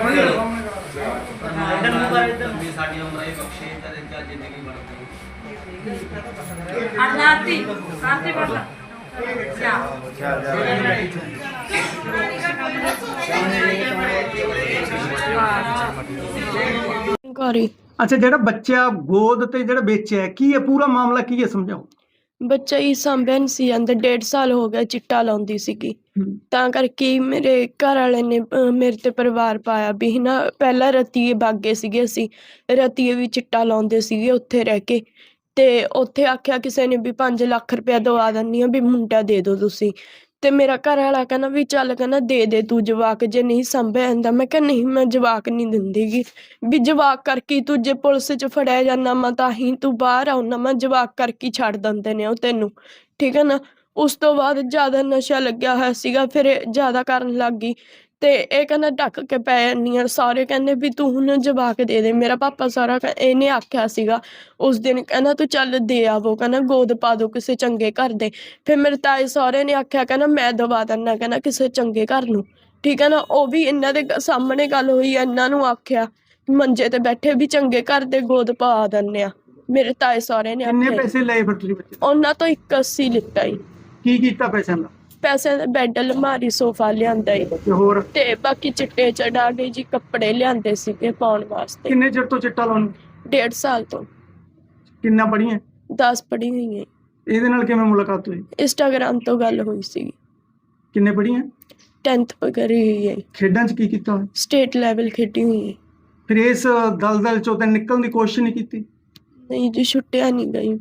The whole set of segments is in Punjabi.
अच्छा, ਜਿਹੜਾ ਬੱਚਾ ਗੋਦ ਤੇ ਜਿਹੜਾ ਵੇਚਿਆ ਕੀ ਹੈ, ਪੂਰਾ ਮਾਮਲਾ ਕੀ ਹੈ, ਸਮਝਾਓ। ਬੱਚਾ ਹੀ ਸਾਂਭਿਆ ਨਹੀਂ ਸੀ ਜਾਂਦਾ, 1.5 ਸਾਲ ਹੋ ਗਿਆ ਚਿੱਟਾ ਲਾਉਂਦੀ ਸੀਗੀ। ਤਾਂ ਕਰਕੇ ਮੇਰੇ ਘਰ ਵਾਲੇ ਨੇ ਮੇਰੇ ਤੇ ਪਰਿਵਾਰ ਪਾਇਆ ਵੀ ਨਾ, ਪਹਿਲਾਂ ਰਤੀਏ ਬਾਗੇ ਸੀਗੇ, ਅਸੀਂ ਰਤੀਏ ਵੀ ਚਿੱਟਾ ਲਾਉਂਦੇ ਸੀਗੇ ਉੱਥੇ ਰਹਿ ਕੇ। ਤੇ ਉੱਥੇ ਆਖਿਆ ਕਿਸੇ ਨੇ ਵੀ 5 ਲੱਖ ਰੁਪਇਆ ਦਵਾ ਦਿੰਦੀ ਆ ਵੀ ਮੁੰਡਾ ਦੇ ਦਿਓ ਤੁਸੀਂ। ਤੇ ਮੇਰਾ ਘਰ ਵਾਲਾ ਕਹਿੰਦਾ ਵੀ ਚੱਲ, ਕਹਿੰਦਾ ਦੇ ਤੂੰ ਜਵਾਕ, ਜੇ ਨਹੀਂ ਸਾਂਭਿਆ ਜਾਂਦਾ। ਮੈਂ ਕਿਹਾ ਨਹੀਂ, ਮੈਂ ਜਵਾਕ ਨਹੀਂ ਦਿੰਦੀ ਗੀ, ਵੀ ਜਵਾਕ ਕਰਕੇ ਤੂੰ ਜੇ ਪੁਲਿਸ 'ਚ ਫੜਿਆ ਜਾਂਦਾ ਮੈਂ ਤਾਂ ਹੀ ਤੂੰ ਬਾਹਰ ਆਉਣਾ, ਮੈਂ ਜਵਾਕ ਕਰਕੇ ਛੱਡ ਦਿੰਦੇ ਨੇ ਉਹ ਤੈਨੂੰ, ਠੀਕ ਹੈ ਨਾ। ਉਸ ਤੋਂ ਬਾਅਦ ਜ਼ਿਆਦਾ ਨਸ਼ਾ ਲੱਗਿਆ ਹੋਇਆ ਸੀਗਾ, ਫਿਰ ਇਹ ਜ਼ਿਆਦਾ ਕਰਨ ਲੱਗ ਗਈ। ਤੇ ਇਹ ਕਹਿੰਦਾ ਢੱਕ ਕੇ ਪੈ ਜਾਂਦੀ ਆ, ਸਾਰੇ ਕਹਿੰਦੇ ਵੀ ਤੂੰ ਹੁਣ ਜਵਾਕ ਦੇ ਦੇ। ਮੇਰਾ ਪਾਪਾ ਸਾਰਾ ਇਹਨੇ ਆਖਿਆ ਸੀਗਾ ਉਸ ਦਿਨ, ਕਹਿੰਦਾ ਤੂੰ ਚੱਲ ਦੇ ਆਵੋ, ਕਹਿੰਦਾ ਗੋਦ ਪਾ ਦੋ ਕਿਸੇ ਚੰਗੇ ਘਰ ਦੇ। ਫਿਰ ਮੇਰੇ ਤਾਏ ਸਹੁਰੇ ਨੇ ਆਖਿਆ, ਕਹਿੰਦਾ ਮੈਂ ਦਵਾ ਦਿੰਦਾ, ਕਹਿੰਦਾ ਕਿਸੇ ਚੰਗੇ ਘਰ ਨੂੰ, ਠੀਕ ਹੈ ਨਾ। ਉਹ ਵੀ ਇਹਨਾਂ ਦੇ ਸਾਹਮਣੇ ਗੱਲ ਹੋਈ, ਇਹਨਾਂ ਨੂੰ ਆਖਿਆ ਮੰਜੇ ਤੇ ਬੈਠੇ ਵੀ ਚੰਗੇ ਘਰ ਦੇ ਗੋਦ ਪਾ ਦਿੰਦੇ ਆ। ਮੇਰੇ ਤਾਏ ਸਹੁਰੇ ਨੇ ਕਿੰਨੇ ਆਖਿਆ। ਪੈਸੇ ਲਏ ਫਿਰ ਤੁਸੀਂ ਬੱਚੇ? ਉਹਨਾਂ ਤੋਂ 81 ਲਿੱਤਾ ਈ। ਕੀ ਕੀਤਾ ਪੈਸਿਆਂ ਦਾ? ਪੈਸੇ ਦਾ ਬੈੱਡ, ਅਲਮਾਰੀ, ਸੋਫਾ ਲਿਆਂਦਾ ਈ। ਤੇ ਹੋਰ? ਤੇ ਬਾਕੀ ਚਿੱਟੇ ਚੜਾ ਕੇ ਜੀ ਕੱਪੜੇ ਲਿਆਂਦੇ ਸੀਗੇ ਪਾਉਣ ਵਾਸਤੇ। ਕਿੰਨੇ ਚਿਰ ਤੋਂ ਚਿੱਟਾ ਲਾਉਣ? 1.5 ਸਾਲ ਤੋਂ। ਕਿੰਨਾ ਪੜ੍ਹੀਆਂ? 10 ਪੜ੍ਹੀ ਹੋਈ ਹੈ। ਇਹਦੇ ਨਾਲ ਕਿਵੇਂ ਮੁਲਾਕਾਤ ਹੋਈ? ਇੰਸਟਾਗ੍ਰਾਮ ਤੋਂ ਗੱਲ ਹੋਈ ਸੀ। ਕਿੰਨੇ ਪੜ੍ਹੀਆਂ? 10th ਕਰੀ ਹੋਈ ਹੈ। ਖੇਡਾਂ 'ਚ ਕੀ ਕੀਤਾ? ਸਟੇਟ ਲੈਵਲ ਖੇਡੀ ਹੋਈ ਹੈ। ਫਿਰ ਇਸ ਦਲਦਲ 'ਚੋਂ ਤਾਂ ਨਿਕਲਣ ਦੀ ਕੋਸ਼ਿਸ਼ ਨਹੀਂ ਕੀਤੀ? ਨਹੀਂ ਜੀ, ਛੁੱਟਿਆ ਨਹੀਂ ਗਈ।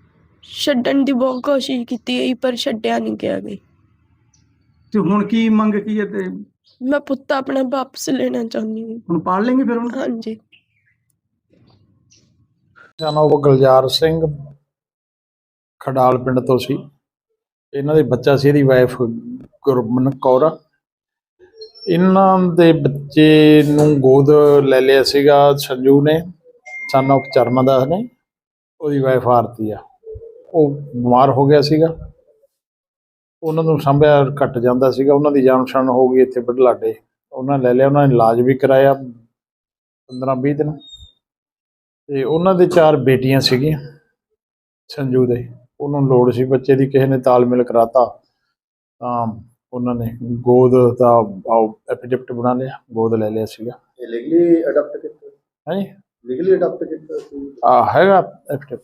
ਛੱਡਣ ਦੀ ਬਹੁਤ ਕੋਸ਼ਿਸ਼ ਕੀਤੀ ਹੈ ਪਰ ਛੱਡਿਆ ਨਹੀਂ ਗਿਆ ਗਈ। ਤੇ ਹੁਣ ਕੀ ਮੰਗ ਕੀ ਹੈ? ਤੇ ਮੈਂ ਪੁੱਤ ਆਪਣਾ ਵਾਪਸ ਲੈਣਾ ਚਾਹੁੰਦੀ ਹਾਂ। ਹੁਣ ਪਾਲ ਲੈਂਗੇ ਫਿਰ ਹੁਣ? ਹਾਂਜੀ। ਨਾਮ ਗੁਲਜ਼ਾਰ ਸਿੰਘ, ਖਡਾਲ ਪਿੰਡ ਤੋਂ ਸੀ। ਇਹਨਾਂ ਦੇ ਬੱਚਾ ਸੀ, ਇਹਦੀ ਵਾਈਫ ਗੁਰਮਨ ਕੌਰ। ਇਹਨਾਂ ਦੇ ਬੱਚੇ ਨੂੰ ਗੋਦ ਲੈ ਲਿਆ ਸੀਗਾ ਸੰਜੂ ਨੇ, ਸਨ ਆਫ ਚਰਨਦਾਸ ਨੇ। ਉਹਦੀ ਵਾਈਫ ਆਰਤੀ ਆ, ਉਹ ਬਿਮਾਰ ਹੋ ਗਿਆ ਸੀਗਾ, ਉਹਨਾਂ ਨੂੰ ਸਾਂਭਿਆ ਘੱਟ ਜਾਂਦਾ ਸੀਗਾ। ਉਹਨਾਂ ਦੀ ਜਾਣ ਪਛਾਣ ਹੋ ਗਈ ਇੱਥੇ ਬੁਢਲਾਡੇ, ਉਹਨਾਂ ਲੈ ਲਿਆ। ਉਹਨਾਂ ਨੇ ਇਲਾਜ ਵੀ ਕਰਾਇਆ 15-20 ਦਿਨ। ਤੇ ਉਹਨਾਂ ਦੇ 4 ਬੇਟੀਆਂ ਸੀਗੀਆਂ ਸੰਜੂ ਦੇ। ਉਹਨੂੰ ਲੋੜ ਸੀ ਬੱਚੇ ਦੀ, ਕਿਸੇ ਨੇ ਤਾਲਮੇਲ ਕਰਾਤਾ ਤਾਂ ਉਹਨਾਂ ਨੇ ਗੋਦ ਦਾ ਐਫੀਡੇਵਿਟ ਬਣਾ ਲਿਆ, ਗੋਦ ਲੈ ਲਿਆ ਸੀਗਾ। ਲੀਗਲੀ ਅਡਾਪਟ ਕੀਤਾ? ਹਾਂਜੀ, ਲੀਗਲੀ ਅਡਾਪਟ ਕੀਤਾ ਸੀ। ਹੈਗਾ ਐਫੀਡੇਵਿਟ।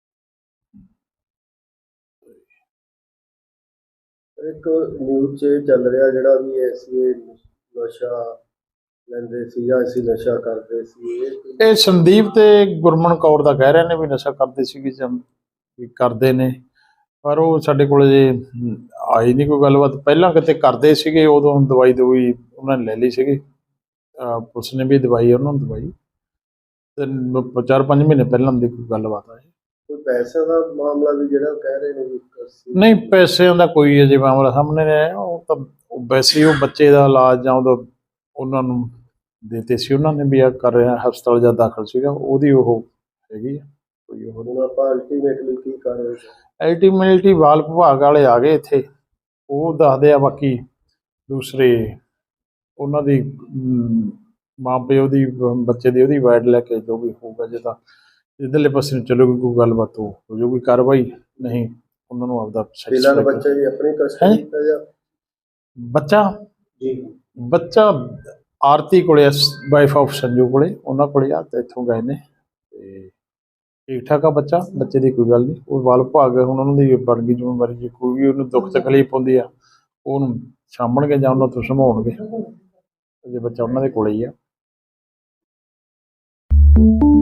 ਇੱਕ ਨਿਊਜ਼ 'ਚ ਚੱਲ ਰਿਹਾ ਜਿਹੜਾ ਵੀ ਅਸੀਂ ਨਸ਼ਾ ਲੈਂਦੇ ਸੀ ਜਾਂ ਅਸੀਂ ਨਸ਼ਾ ਕਰਦੇ ਸੀ, ਇਹ ਸੰਦੀਪ ਤੇ ਗੁਰਮਨ ਕੌਰ ਦਾ ਕਹਿ ਰਹੇ ਨੇ ਵੀ ਨਸ਼ਾ ਕਰਦੇ ਸੀਗੇ ਜਾਂ ਵੀ ਕਰਦੇ ਨੇ, ਪਰ ਉਹ ਸਾਡੇ ਕੋਲ ਜੇ ਆਈ ਨਹੀਂ ਕੋਈ ਗੱਲਬਾਤ। ਪਹਿਲਾਂ ਕਿਤੇ ਕਰਦੇ ਸੀਗੇ, ਉਦੋਂ ਦਵਾਈ ਉਹਨਾਂ ਨੇ ਲੈ ਲਈ ਸੀਗੀ, ਪੁਲਿਸ ਨੇ ਵੀ ਦਵਾਈ ਉਹਨਾਂ ਨੂੰ ਦਵਾਈ। ਤੇ 4-5 ਮਹੀਨੇ ਪਹਿਲਾਂ ਦੀ ਕੋਈ ਗੱਲਬਾਤ ਆਈ। ਕੋਈ ਪੈਸੇ ਦਾ ਮਾਮਲਾ ਵੀ ਜਿਹੜਾ ਕਹਿ ਰਹੇ ਨੇ ਵੀ? ਨਹੀਂ, ਪੈਸਿਆਂ ਦਾ ਕੋਈ ਅਜੇ ਮਾਮਲਾ ਸਾਹਮਣੇ ਨਹੀਂ ਆਇਆ। ਉਹ ਤਾਂ ਵੈਸੇ ਉਹ ਬੱਚੇ ਦਾ ਇਲਾਜ ਜਾਂ ਉਦੋਂ ਉਹਨਾਂ ਨੂੰ ਦਿੱਤੇ ਸੀ, ਉਹਨਾਂ ਨੇ ਵੀ ਆ ਕਰ ਰਿਹਾ, ਹਸਪਤਾਲ ਜਾਂ ਦਾਖਲ ਸੀਗਾ, ਉਹਦੀ ਉਹ ਹੈਗੀ ਆ ਕੋਈ। ਉਹ ਹੁਣ ਆਪਾਂ ਅਲਟੀਮੇਟਲੀ ਕੀ ਕਰ ਰਹੇ? ਅਲਟੀਮੇਟਲੀ ਬਾਲ ਵਿਭਾਗ ਵਾਲੇ ਆ ਗਏ ਇੱਥੇ, ਉਹ ਦੱਸਦੇ ਆ। ਬਾਕੀ ਦੂਸਰੇ ਉਹਨਾਂ ਦੀ ਮਾਂ ਪਿਓ ਦੀ, ਬੱਚੇ ਦੀ, ਉਹਦੀ ਵਾਈਡ ਲੈ ਕੇ ਜੋ ਵੀ ਹੋਊਗਾ, ਜੇ ਤਾਂ ਇੱਧਰਲੇ ਪਾਸੇ ਨੂੰ ਚਲੋਗੀ ਕੋਈ ਗੱਲਬਾਤ ਹੋ ਜਾਊਗੀ ਕਾਰਵਾਈ, ਨਹੀਂ ਉਹਨਾਂ ਨੂੰ ਆਪਦਾ ਬੱਚਾ ਜੀ ਆਪਣੀ ਕਸਟਡੀ ਦਾ ਜਾਂ ਬੱਚਾ ਆਰਤੀ ਕੋਲੇ, ਵਾਈਫ ਆਫ ਸੰਜੂ ਕੋਲੇ, ਉਹਨਾਂ ਕੋਲੇ ਆ। ਤੇ ਇੱਥੋਂ ਗਏ ਨੇ ਤੇ ਠੀਕ ਠਾਕ ਆ ਬੱਚਾ, ਬੱਚੇ ਦੀ ਕੋਈ ਗੱਲ ਨਹੀਂ। ਉਹ ਬਾਲ ਵਿਭਾਗ ਹੁਣ ਉਹਨਾਂ ਦੀ ਬਣ ਗਈ ਜ਼ਿੰਮੇਵਾਰੀ, ਜੇ ਕੋਈ ਵੀ ਉਹਨੂੰ ਦੁੱਖ ਤਕਲੀਫ ਹੁੰਦੀ ਆ ਉਹਨੂੰ ਸਾਂਭਣਗੇ ਜਾਂ ਉਹਨਾਂ ਤੋਂ ਸੰਭਾਉਣਗੇ, ਜੇ ਬੱਚਾ ਉਹਨਾਂ ਦੇ ਕੋਲੇ ਹੀ ਆ।